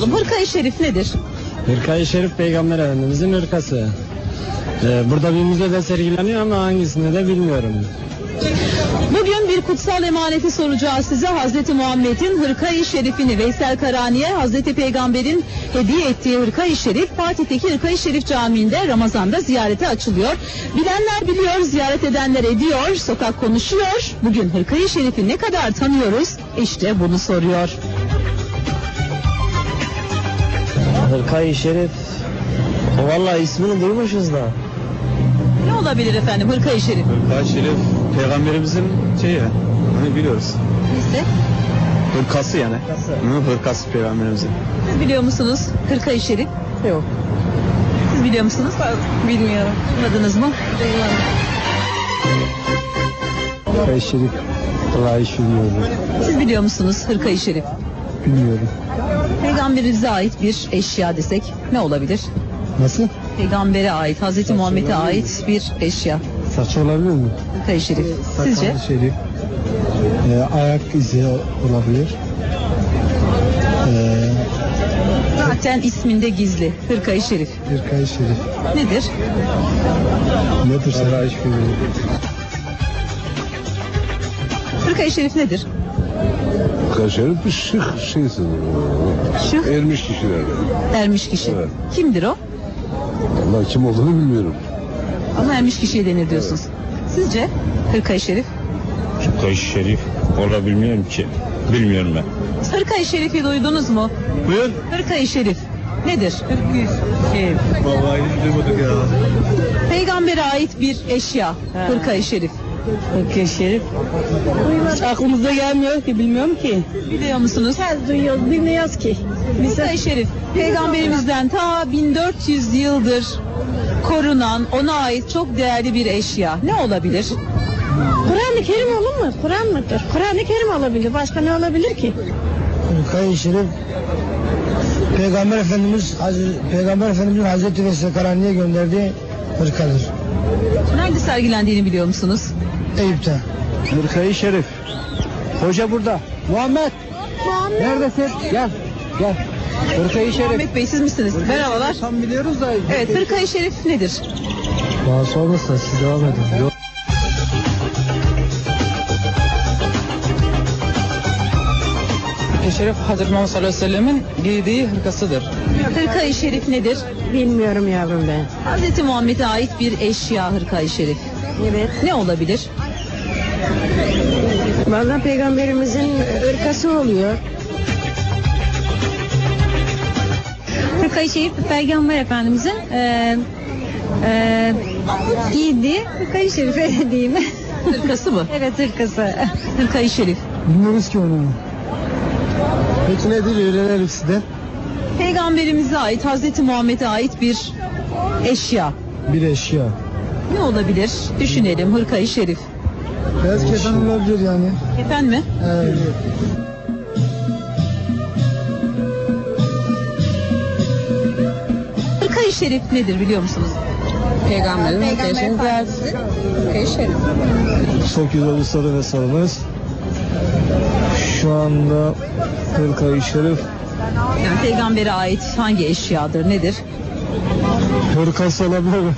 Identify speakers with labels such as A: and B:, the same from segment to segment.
A: olalım. Hırka-i Şerif nedir?
B: Hırka-i Şerif Peygamber Efendimizin hırkası. Burada bir müzede sergileniyor ama hangisini de bilmiyorum.
A: Bugün bir kutsal emaneti soracağız size. Hazreti Muhammed'in Hırka-i Şerif'ini Veysel Karani'ye Hazreti Peygamber'in hediye ettiği Hırka-i Şerif Fatih'teki Hırka-i Şerif Camii'nde Ramazan'da ziyarete açılıyor. Bilenler biliyor, ziyaret edenler ediyor, sokak konuşuyor. Bugün Hırka-i Şerif'i ne kadar tanıyoruz? İşte bunu soruyor.
B: Hırka-i Şerif, vallahi ismini duymuşuz da.
A: Ne olabilir efendim Hırka-i Şerif?
C: Hırka-i Şerif Peygamberimizin şeyi, hani biliyoruz.
A: Neyse.
C: Hırkası yani. Hırkası Peygamberimizin.
A: Siz biliyor musunuz Hırka-i Şerif?
D: Yok.
A: Siz biliyor musunuz?
D: Bilmiyorum.
A: Duymadınız mı?
B: Hırka-i Şerif, vallahi hiç bilmiyorum.
A: Siz biliyor musunuz Hırka-i Şerif?
B: Bilmiyorum.
A: Peygamberimize ait bir eşya desek ne olabilir?
B: Nasıl?
A: Peygambere ait, Hazreti Muhammed'e ait bir eşya.
B: Saç olabilir mi?
A: Hırka-i Şerif. Sizce?
B: Hırka-i Şerif. Ayak izi olabilir.
A: Zaten isminde gizli. Hırka-i Şerif.
B: Hırka-i Şerif.
A: Nedir?
B: Nedir sana hiç bilmiyorum.
A: Hırka-i Şerif nedir?
E: Hırka-i Şerif bir şık şeysin.
A: Şık.
E: Ermiş kişilerden.
A: Ermiş kişi.
E: Evet.
A: Kimdir o?
E: Vallahi kim olduğunu bilmiyorum.
A: Ama ermiş kişiye denir diyorsunuz. Sizce Hırka-i Şerif?
F: Hırka-i Şerif olabilmiyorum ki. Bilmiyorum ben.
A: Hırka-i Şerif'i duydunuz mu?
C: Buyur.
A: Hırka-i Şerif nedir?
C: Vallahi hiç duymadık ya.
A: Peygambere ait bir eşya. Hırka-i Şerif.
D: Hırka-i Şerif. Aklımıza gelmiyor ki, bilmiyorum ki.
A: Biliyor musunuz?
D: Duyuyoruz, bilmiyoruz ki.
A: Hırka-i Şerif Peygamberimizden ta 1400 yıldır korunan, ona ait çok değerli bir eşya. Ne olabilir?
D: Kur'an-ı Kerim olur mu? Kur'an mıdır? Kur'an-ı Kerim olabilir. Başka ne olabilir ki?
B: Hırka-i Şerif Peygamber Efendimizin Hazreti Veysel Karani'ye gönderdiği hırkadır.
A: Nerede sergilendiğini biliyor musunuz?
B: Eyüp'te. Hırka-i Şerif. Hoca burada. Muhammed. Neredesin? Gel. Hırka-i Şerif.
A: Muhammed Bey siz misiniz? Merhabalar.
B: Tam biliyoruz da.
A: Evet, Hırka-i Şerif nedir?
B: Daha sonrasında siz devam edin.
G: Şerif Hazreti Muhammed sallallahu aleyhi ve sellemin giydiği hırkasıdır.
A: Hırka-i Şerif nedir?
D: Bilmiyorum yavrum ben.
A: Hazreti Muhammed'e ait bir eşya Hırka-i Şerif.
D: Evet.
A: Ne olabilir?
D: Vallahi Peygamberimizin ırkası oluyor.
H: Hırka-i Şerif Peygamber Efendimizin giydiği Hırka-i Şerif, öyle diyeyim.
A: Hırkası mı?
H: Evet, hırkası.
A: Hırka-i Şerif.
B: Bilmiyoruz ki onu. Peki nedir? Öğrenelim sizden.
A: Peygamberimize ait, Hazreti Muhammed'e ait bir eşya.
B: Bir eşya.
A: Ne olabilir? Düşünelim. Hırka-i Şerif.
B: Beyaz kefen olabilir yani.
A: Efendim mi?
B: Evet.
A: Hırka-i Şerif nedir biliyor musunuz?
H: Peygamber Efendimizin Hırka-i Şerif.
B: Çok güzel bir soru ve sorumuz. Şu anda Hırka-i Şerif
A: Yani peygambere ait hangi eşyadır? Nedir?
B: hırkası olabilir mi?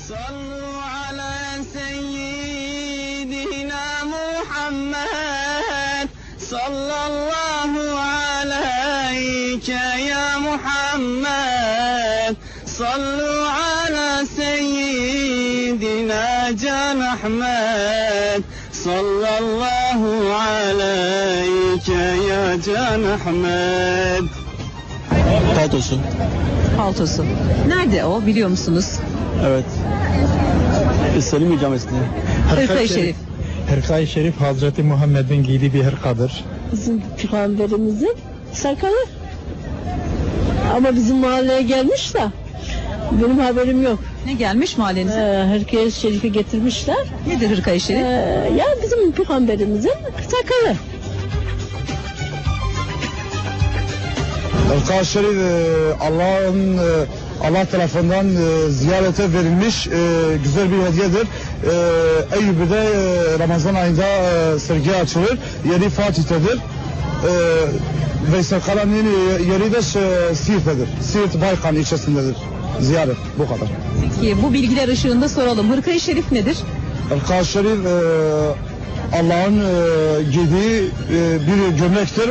I: Sallallahu aleyke ya Muhammed. Sallu ala seyyidina Can Ahmed. Sallallahu aleyke ya Can Ahmed.
C: Paltosu.
A: Paltosu. Nerede o biliyor musunuz?
C: Evet. Selim ikametinde.
A: Hırka-i Şerif.
B: Hırka-i Şerif Hazreti Muhammed'in giydiği bir hırkadır.
D: Bizim Peygamberimizin sakalı. Ama bizim mahalleye gelmiş de benim haberim yok.
A: Ne gelmiş mahallenize?
D: Hırka-i Şerif'i getirmişler.
A: Nedir Hırka-i Şerif?
D: Ya bizim Peygamberimizin sakalı.
B: Hırka-i Şerif Allah tarafından ziyarete verilmiş güzel bir hediyedir. Eyüp'de Ramazan ayında sergi açılır. Yeri Fatih'tedir.
C: Veysel Karani'nin yeri de Siirt'tedir. Siirt Baykan ilçesindedir. Ziyaret bu kadar.
A: Peki bu bilgiler ışığında soralım. Hırka-i Şerif nedir?
C: Hırka-i Şerif Allah'ın giydiği bir gömlektir.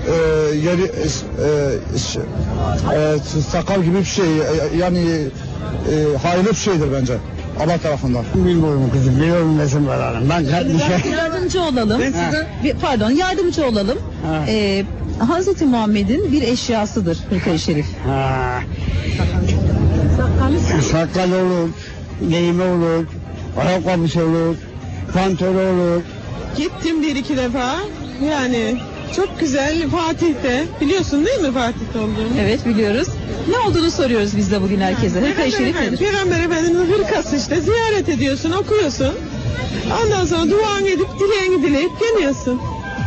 C: Sakal gibi bir şey, yani hayırlı bir şeydir bence Allah tarafından.
B: Bilmiyorum kızım, biliyorum nesin var hanım. Ben
A: Yardımcı olalım. Pardon, yardımcı olalım. Hazreti Muhammed'in bir eşyasıdır Hırka-i Şerif.
B: Sakal olur, giyimi olur, ayakkabısı olur, pantolon olur.
J: Gittim 1-2 defa. Yani çok güzel Fatih'te. Biliyorsun değil mi Fatih'te olduğunu?
A: Evet, biliyoruz. Ne olduğunu soruyoruz biz de bugün herkese. Hırka-i Şerif nedir?
J: Peygamber Efendimiz'in hırkası işte. Ziyaret ediyorsun, okuyorsun. Ondan sonra duan edip dileğini dileyip geliyorsun.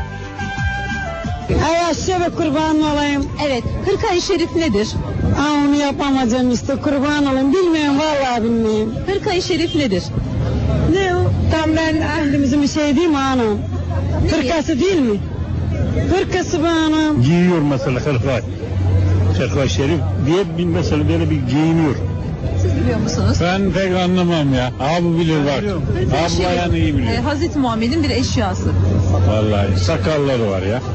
D: Ay size ve kurban olayım.
A: Evet, Hırka-i Şerif nedir?
D: Onu yapamayacağım işte, kurban olayım. Bilmiyorum, vallahi bilmiyorum.
A: Hırka-i Şerif nedir?
D: Ne o? Tam ben Efendimizin bir şey değil mi hanım? Hırkası değil mi? Hırkası bu hanım.
F: Giyiyor mesela hırka. Hırka-i Şerif diye bir mesela böyle bir giyiniyor.
A: Siz biliyor musunuz?
F: Ben pek anlamam ya. Abi bilir bak. Abi yani iyi biliyor.
A: Hazreti Muhammed'in bir eşyası.
F: Vallahi sakalları var ya.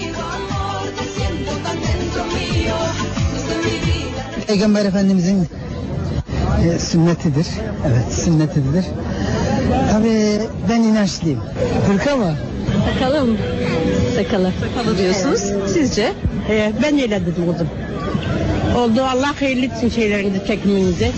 B: Peygamber Efendimizin sünnetidir. Evet, sünnetidir. Tabii ben inançlıyım. Hırka mı?
H: Bakalım. Sakalı.
A: Sakalı diyorsunuz. Sizce?
D: Ben öyle dedim oğlum. Oldu, Allah hayırlı etsin şeylerinizi, çekiminizi.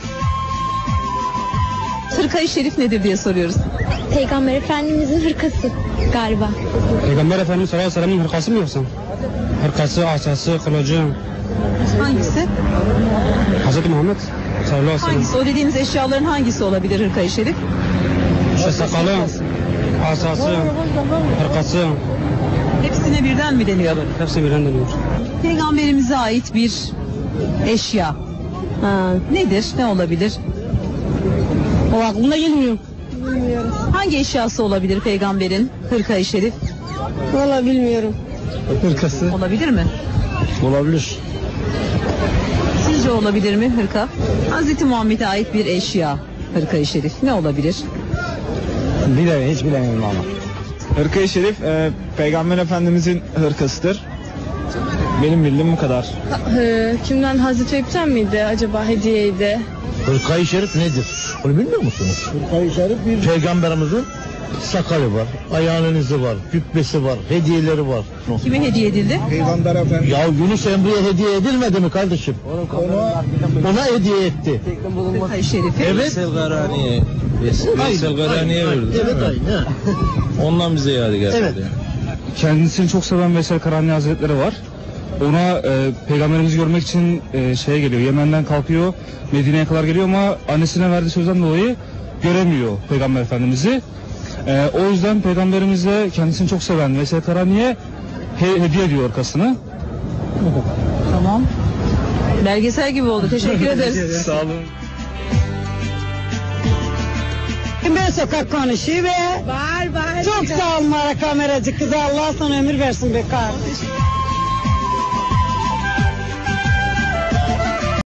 A: Hırka-i Şerif nedir diye soruyoruz.
H: Peygamber Efendimizin hırkası galiba.
B: Peygamber Efendimiz sallallahu aleyhi ve sellem'in hırkası mı yoksa? Hırkası, asası, kılıcı.
A: Hangisi?
B: Hazreti Muhammed sallallahu aleyhi ve sellem.
A: Hangisi? O dediğiniz eşyaların hangisi olabilir Hırka-i Şerif?
B: İşte sakalı, asası, hırkası.
A: Hepsine birden mi deniyor?
B: Hepsi birden dönüyor.
A: Peygamberimize ait bir eşya. Nedir? Ne olabilir?
D: O aklımda gelmiyor.
A: Hangi eşyası olabilir peygamberin Hırka-i Şerif?
D: Vallahi bilmiyorum.
B: Hırkası.
A: Olabilir mi?
B: Olabilir.
A: Sizce olabilir mi hırka? Hazreti Muhammed'e ait bir eşya Hırka-i Şerif. Ne olabilir?
B: Bilemiyorum, hiç bilemiyorum ama.
C: Hırka-i Şerif Peygamber Efendimizin hırkasıdır. Benim bildiğim bu kadar.
J: Kimden Hazreti Eyüp'ten miydi acaba hediyeydi?
E: Hırka-i Şerif nedir? Onu bilmiyor musunuz? Hırka-i Şerif bir... Peygamberimizin sakalı var, ayağının izi var, cübbesi var, hediyeleri var.
A: Kime hediye edildi?
C: Peygamber Efendimiz.
E: Ya Yunus Emre'ye hediye edilmedi mi kardeşim? Ona hediye etti.
A: Hırka-i Şerif'i.
E: Evet.
F: Veysel Karani'ye verdi.
E: Evet aynı.
F: Ondan bize yadigar
E: Evet.
C: Kendisini çok seven Veysel Karani Hazretleri var. Ona peygamberimizi görmek için şeye geliyor. Yemen'den kalkıyor. Medine'ye kadar geliyor ama annesine verdiği sözden dolayı göremiyor Peygamber Efendimiz'i. O yüzden peygamberimize kendisini çok seven Veysel Karani'ye hediye ediyor hırkasını.
A: Tamam. Belgesel gibi oldu. Teşekkür ederiz.
C: Sağ olun.
D: Ben sokak konuşuyor ve... Var. Çok sağ olun kameracı kızı. Allah sana ömür versin be kardeşim.